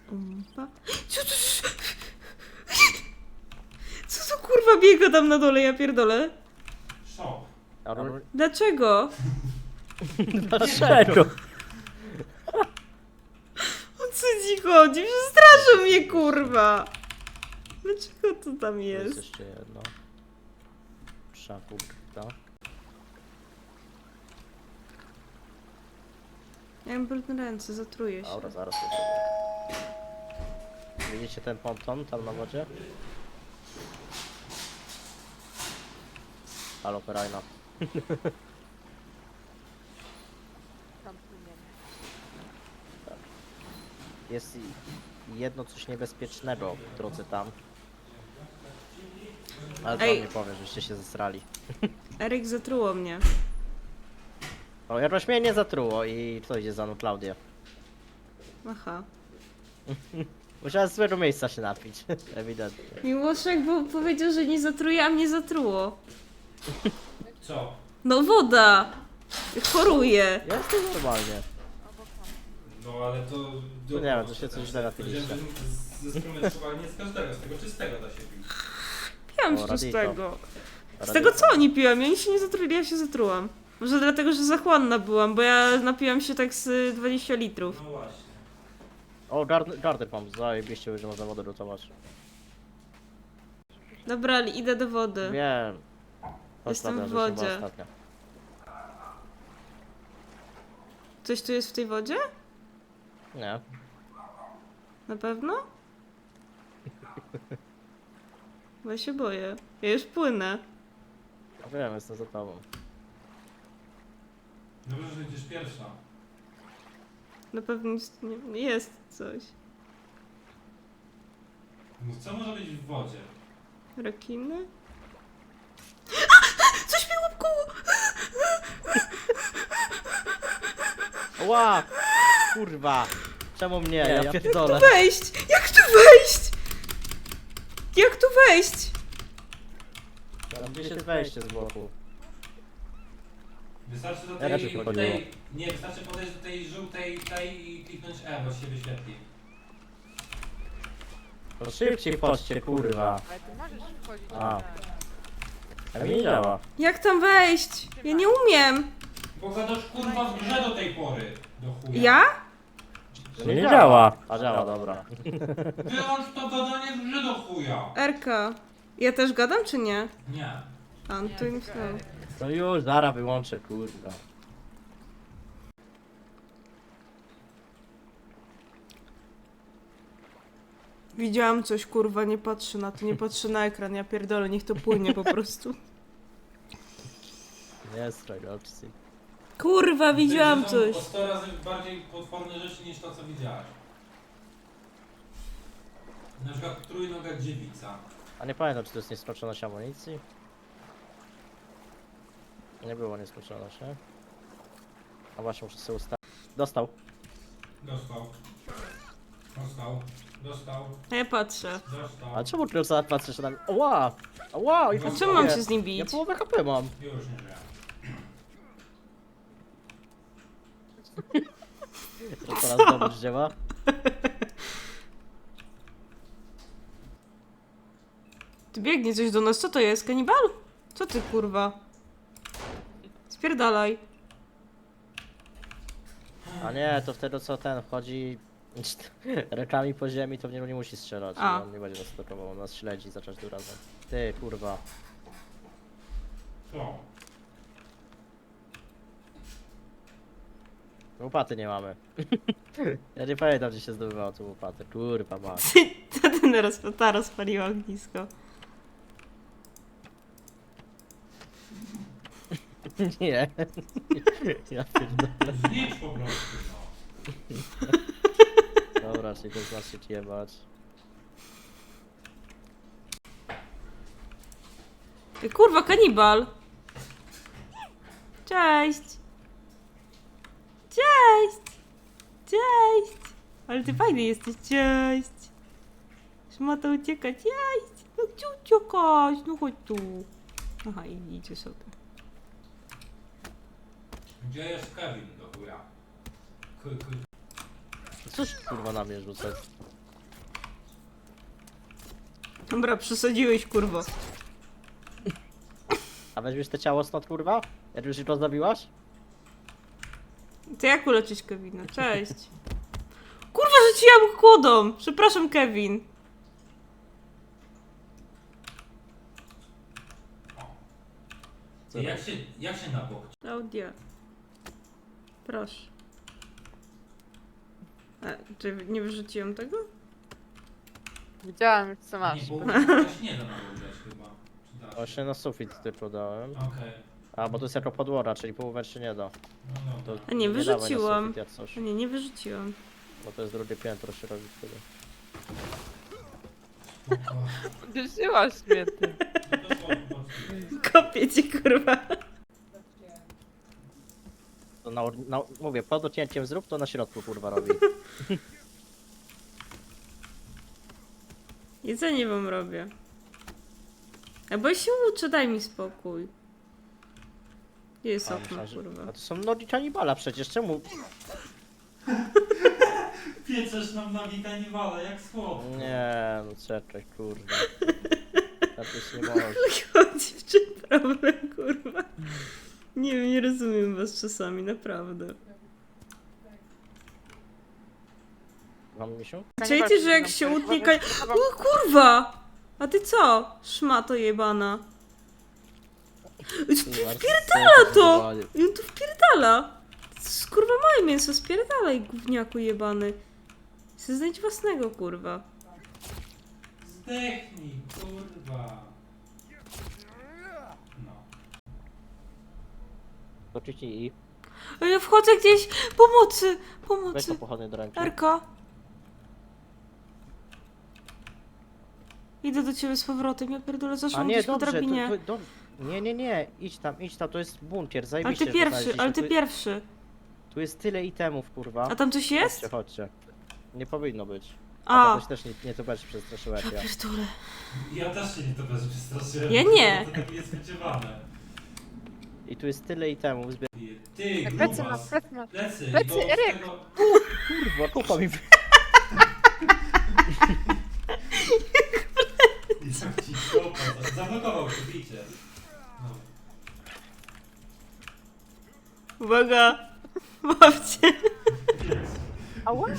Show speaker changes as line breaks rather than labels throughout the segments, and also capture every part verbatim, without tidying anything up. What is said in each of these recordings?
Umpa. Co to... Co to kurwa biega tam na dole, ja pierdolę?
Szok.
Dlaczego?
Dlaczego?
O co ci chodzi? Przestraszył mnie kurwa! Dlaczego to tam
Jest
jest?
jeszcze jedno. Szaku, tak?
Ja mam brudne ręce, zatruję się.
Dobra, zaraz to zrobię. Widzicie ten ponton tam na wodzie? Halo, Perajna.
Tam płyniemy.
Jest i- jedno coś niebezpiecznego w drodze tam. Ale to
Ej.
nie powiem, żeście się zesrali.
Eryk zatruło mnie.
O, jakoś mnie nie zatruło i kto idzie za mną? Klaudia.
Aha.
Musiała z złego miejsca się napić, ewidentnie.
Miłoszek bo powiedział, że nie zatruje, a mnie zatruło.
Co?
No woda! Choruję.
Ja jestem normalnie.
Obok mam.
No ale to...
To nie wiem, to się coś źle napiliście.
Powiedziałem, że Ze strumentowania z każdego, z tego czystego da się pić.
Piłam
O,
z
radito.
czystego. Z tego co oni piłam? Oni się nie zatruli, ja się zatrułam. Może dlatego, że zachłanna byłam, bo ja napiłam się tak z dwudziestu litrów.
No właśnie.
O, garder, garder mam, zajebiście, że można wodę lutować.
Dobra, ale idę do wody.
Wiem.
Jestem w
Ostatnia rzecz,
wodzie.
chyba ostatnia.
Coś tu jest w tej wodzie?
Nie.
Na pewno? Bo ja się boję. Ja już płynę.
Ja wiem, jestem za tobą.
Dobrze, że idziesz pierwsza.
Na pewno jest, nie, jest coś.
No co może być w wodzie?
Rekiny? A! Coś mnie łapkoło!
Ła! Kurwa! Czemu mnie? Ja
Jak
pierdolę.
tu wejść? Jak tu wejść? Jak tu wejść?
Tam gdzieś jest wejście z boku.
Wystarczy do
Ja
tej,
raczej
tej,
chodziło.
nie, wystarczy podejść do tej żółtej tej i kliknąć E, bo się wyświetli.
To szybciej chodźcie, kurwa.
Ale ty możesz wchodzić
A.
na...
A mi nie działa.
Jak tam wejść? Ja nie umiem.
Bo zadasz kurwa w grze do tej pory. Do chuja.
Ja?
Nie, nie działa. A działa, dobra.
Wyłącz to gadanie w grze do chuja.
Erka. Ja też gadam, czy nie?
Nie.
A, no to nie myślałam.
No już, zaraz wyłączę, kurwa.
Widziałam coś, kurwa, nie patrzę na to, nie patrzę na ekran, ja pierdolę, niech to płynie po prostu.
Nie straj opcji.
Kurwa, widziałam
To
coś.
są o sto razy bardziej potworne rzeczy niż to, co widziałaś. Na przykład trójnoga dziewica.
A nie pamiętam, czy to jest nieskończoność amunicji? Nie było nieskończoność, nie? A właśnie, muszę sobie ustawić. Dostał.
Dostał. Dostał. Dostał.
A ja patrzę.
Dostał.
A czemu tylko co patrzysz na mnie? Ła! Ła! I
A
A czemu mam się z nim
Ja
bić?
połowę H P mam.
Już nie wiem.
To teraz dobrze działa.
Ty biegnie coś do nas, co to jest? Kanibal? Co ty, kurwa? Spierdalaj.
A nie, to wtedy co ten wchodzi rękami po ziemi, to w niego nie musi strzelać.
A.
On nie będzie nas atakował, on nas śledzi za każdym razem. Ty, kurwa.
Co?
Łopaty nie mamy. Ja nie pamiętam, gdzie się zdobywało tą łopatę. Kurwa, masz.
To ten raz, ta rozpaliła ognisko.
Nie. Ja pierdolę.
Znicz po prostu, no.
Dobra, czyli to znaczy jebać.
Ty, kurwa, kanibal. Cześć. Cześć. Cześć. Ale ty fajny jesteś, cześć. Szmata ucieka, cześć. No gdzie uciekasz? No chodź tu. Aha, i idzie sobie.
Gdzie jest Kevin do chuja? K- k-
Cóż kurwa na mnie rzucać?
Dobra, przesadziłeś, kurwo.
A weźmiesz te ciało stąd, kurwa? Jak już to zabiłaś?
To jak uleczyć Kevina? Cześć. Kurwa, rzuciłam kłodą! Przepraszam, Kevin.
Ty, jak się, jak się na bok?
Klaudia. Proszę. A, czy nie wyrzuciłam tego?
Widziałam już co masz.
Nie, bo ktoś nie da na bok grać chyba. Czy da się?
Właśnie na sufit typu dałem.
Okej.
A, bo to jest jako podłora, czyli połowę się nie da.
No
To
dobra.
A nie,
dawaj na
wyrzuciłam.
sufit jak coś.
A nie, nie wyrzuciłam.
Bo to jest drugie piętro się robi wtedy.
Spoko.
Uderzyłaś mnie ty.
No to spoko, spoko.
Kopię ci, kurwa.
To na, na, mówię, pod docięciem zrób, to na środku kurwa robi.
Jedzenie wam robię. A bo ja się uczę, daj mi spokój. Gdzie jest
A,
okno,
myślałem, że-
kurwa?
A to są nogi kanibala przecież, czemu?
Pieczesz nam nogi kanibala, jak słodko.
Nie, no czekaj, kurwa. Tak już nie może.
Chodzi, w czym problem, kurwa? Nie wiem, nie rozumiem was czasami, naprawdę.
Mam misiu?
Czujecie, że jak się utnie ka... O kurwa! A ty co? Szmato jebana.
Wpierdala
to! I on tu wpierdala! To jest, kurwa, moje mięso, spierdalaj, gówniaku jebany. Chcę znaleźć własnego, kurwa.
Zdechnij, kurwa. No.
Oczywiście i
A ja wchodzę gdzieś! Pomocy!
weź to
Pomocy!
pochodnie do ręki.
Erka! Idę do ciebie z powrotem, ja pierdolę,
A
zaszłam
nie,
gdzieś po
dobrze, to,
drabinie.
to, do... Nie, nie, nie, idź tam, idź tam, to jest bunkier,
Ale
zajebiście.
ty
że
pierwszy,
znaleźliśmy.
ale ty
tu,
pierwszy.
tu jest tyle itemów, kurwa.
A tam coś jest?
Chodźcie, chodźcie. Nie powinno być. A,
A,
to też nie, nie to będzie przestraszyła jak ja.
pierdolę.
Ja też się nie to bez przestraszyłem.
Ja nie.
To takie niespodziewane.
I tu jest tyle itemów, zbieram.
Ty,
Plecy ma,
grubas.
plecy ma.
Plecy,
Plecy,
bo z
Eryk.
tego-
Kurwa, kupa mi...
Jak ci kopa, zablokował się, bicie. No.
Uwaga! Łapcie!
Ała!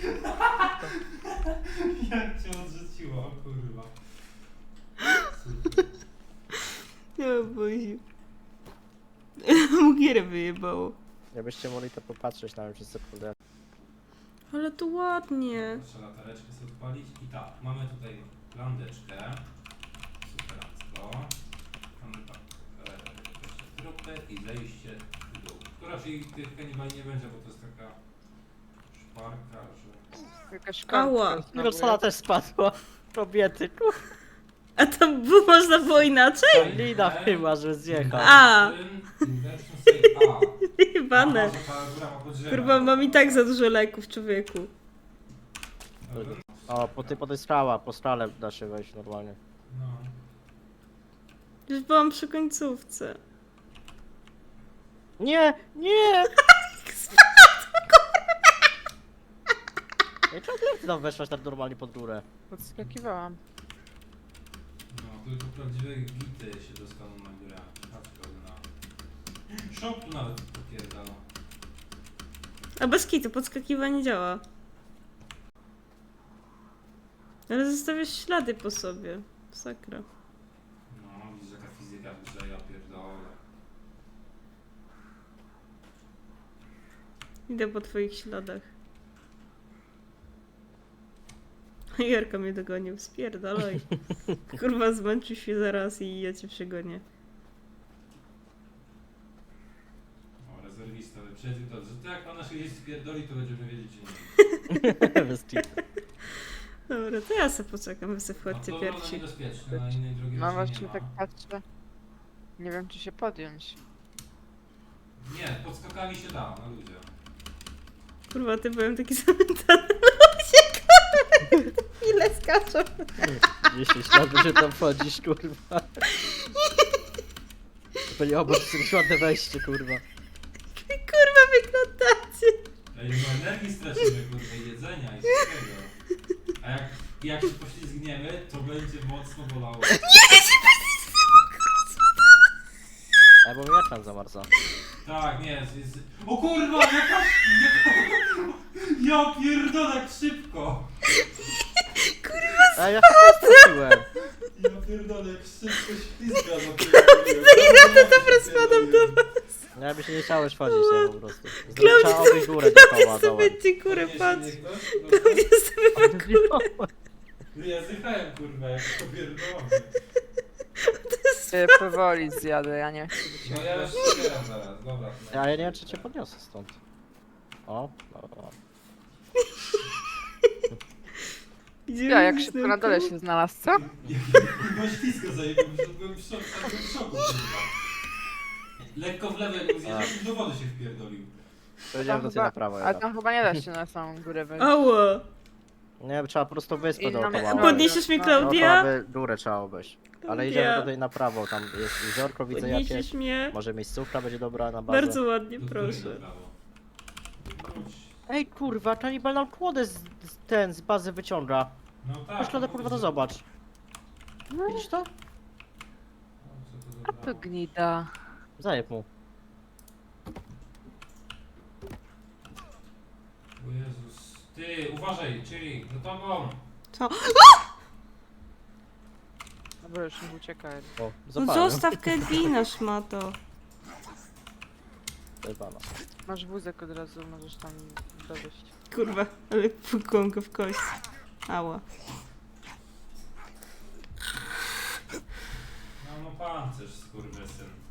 Jak cię odrzuciło, o kurwa. Super.
Ja boję. Mu gierę wyjebało.
Jakbyście mogli to popatrzeć na mnie przez sekundę.
Ale to ładnie.
Proszę latareczkę sobie odpalić. I tak, mamy tutaj landeczkę. Superacko. Mamy tak, e, jeszcze trupy i zejście w dół. Tu raczej tych kanibali nie będzie, bo to jest taka szparka, że...
Jakaś
Ała.
kartka znowu
Miroslava
jest.
też spadła. Kobiety, kurwa.
A to było, można było inaczej?
Lina chyba, że zjechał.
A.
Inversion save A.
Jebane.
A, że ta góra ma podziemia.
Kurwa, mam i tak za dużo leków, człowieku.
Dobra.
O, po, ty, po tej skała, po skale da się wejść normalnie.
No.
Już byłam przy końcówce.
Nie, nie! Ej, czemu ty tam weszłaś tak normalnie pod górę?
Podskakiwałam.
No, tylko prawdziwe gity się dostaną na górę. Patrz, na... Shop tu nawet popierdala.
A bez kitu, podskakiwanie działa. Ale zostawiasz ślady po sobie. Sakra.
No, widzisz jaka fizyka w grze, ja pierdolę.
Idę po twoich śladach. Jarka mnie dogonił, spierdalaj. Kurwa, zmęczył się zaraz i ja cię przegonię.
O, rezerwista, wyprzedzi to, że to jak ona się gdzieś spierdoli, to będziemy wiedzieć, że nie.
Bez cheat.
Dobra, to ja sobie poczekam, wy sobie wchodźcie
A to ona
pierwsi.
niebezpieczne, na innej drugiej
Mam
raczej nie
właśnie
ma.
tak patrzę. Nie wiem czy się podjąć.
Nie, podskakami się da, na ludzie.
Kurwa, ty byłem taki zamętany. Ludzie, kurwa, ile skaczą.
Jeśli ślad, że tam wchodzisz, kurwa. To nie obok, jakieś ładne wejście, kurwa.
Kurwa, wyglądacie.
Ej, no energii stracimy, kurwa, i jedzenia i wszystkiego. A jak I jak się poślizgniemy, to będzie mocno bolało.
Ej, bo mi ekran zamarza.
Tak, nie, jest, jest... O kurwa, jaka... jaka... Ja pierdolę, jak szybko!
Ej, ja się straciłem.
Ja pierdolę, jak szybko ślizga za tym.
Ja to dobra spadam do was.
Ja by się nie chciałeś wchodzić, nie, po prostu.
Klaudia,
Trzeba obejść górę dookoła,
Ja
dołem.
sobie ci kurę patrz.
To
Klaudia sobie ma kurę.
Ja zjechałem, kurwa, jak to pierdolę.
Ja powoli zjadę, ja nie chcę być.
No ja już zbieram zaraz, dobra.
Ja nie wiem, czy cię podniosę stąd. O, dobra.
Idziemy
Ja, jak
z
szybko
tym,
na dole
kurwa.
się znalazł, co?
Chyba ślisko zajebał, że byłem w szoku, tak byłem w szoku, kurwa. Lekko w lewo, jakbym zjechał, do wody się wpierdolił.
Powiedziałem do ciebie na prawo.
Ale
Jeden.
tam chyba nie da się na samą górę wejść.
Ała.
Nie, trzeba po prostu wyspę
I
dookoła.
mamy-
obejść.
Podniesiesz mnie,
No,
Klaudia?
Dookoła by górę trzeba obejść. Ale
Klaudia.
idziemy tutaj na prawo, tam jest jeziorko, widzę jakieś.
Podniesiesz mnie?
Może miejscówka będzie dobra na bazę.
Bardzo ładnie,
Do którego
proszę.
prawo? Wróć.
Ej kurwa, kanibal nam kłodę z, z ten z bazy wyciąga.
No tak.
Weź kłodę kurwa to zobacz. Widzisz to?
O, co to za
A to
prawo?
gnida.
Zajeb mu.
O Jezus. Ty, uważaj, czyli za tobą.
Co?
Dobra, już nie uciekaj.
O,
No
zapałem.
zostaw Kedwina, szmato.
Zajebana.
Masz wózek od razu, możesz tam dowieść.
Kurwa, ale pukłam go w kość. Ała.
No, no pancerz, skurwysyn.